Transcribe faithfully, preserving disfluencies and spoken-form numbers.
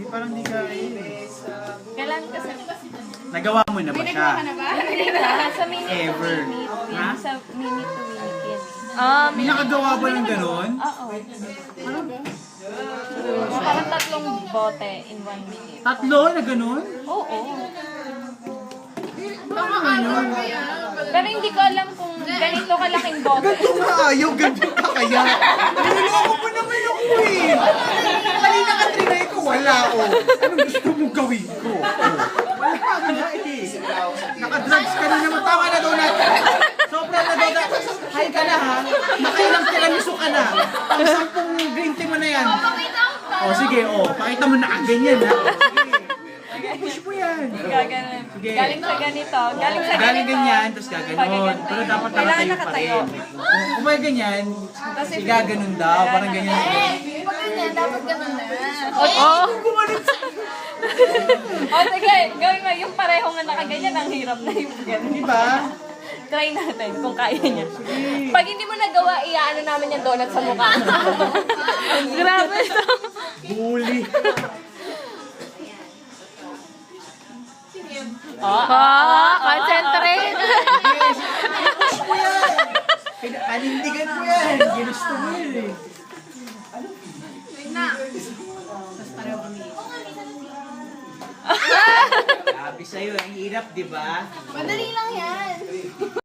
parang di ka Kailan kasi? Nagawa mo na ba siya? Hindi na. Sa minute Ever. to minute. Ha? Sa minute to minute yan. Ah, May nakagawa ba ng ganon? Oo. Parang tatlong bote in one minute. Tatlo na ganon? Oo. Ano? Pero hindi ko alam kung ganito kalaking bote. Ganito nga ayaw, ganito ka kaya. Niloloko mo naman ako eh. Kanina ka trinay ko, wala oh. Anong gusto mong gawin ko? Oh. Wala ka nga eh. Naka-drugs ka na naman. Tama na daw natin. Sobra na daw na. Hay ka na ha. Nakailang tiramisu ka na. Ang sampung green tea mo na yan. Oh sige, oh. Pakita mo na ang ganyan ha. Sige, push mo yan. Gaganon. Sige. Galing sa ganito. Galing sa ganito. Galing ganyan, tapos gaganon. Pero dapat Kailangan nakatayo pa nakatayo. rin. Kung kung may ganyan, sige gaganon daw. Parang ganyan. Pag ganyan, dapat ganun na. Oo. O sige, gawin mo. Yung pareho nga nakaganyan, ang hirap na yung ganun. Di ba? Try natin kung kaya niya. Pag hindi mo nagawa, iaano namin yung donut sa mukha. Grabe ito. Bully. Oh, oh, concentrate. Yes. Push mo yan. Kaya- Panindigan mo yan. Ginusto mo yun eh. Sabi sa'yo, ang hirap, di ba? Madali lang yan.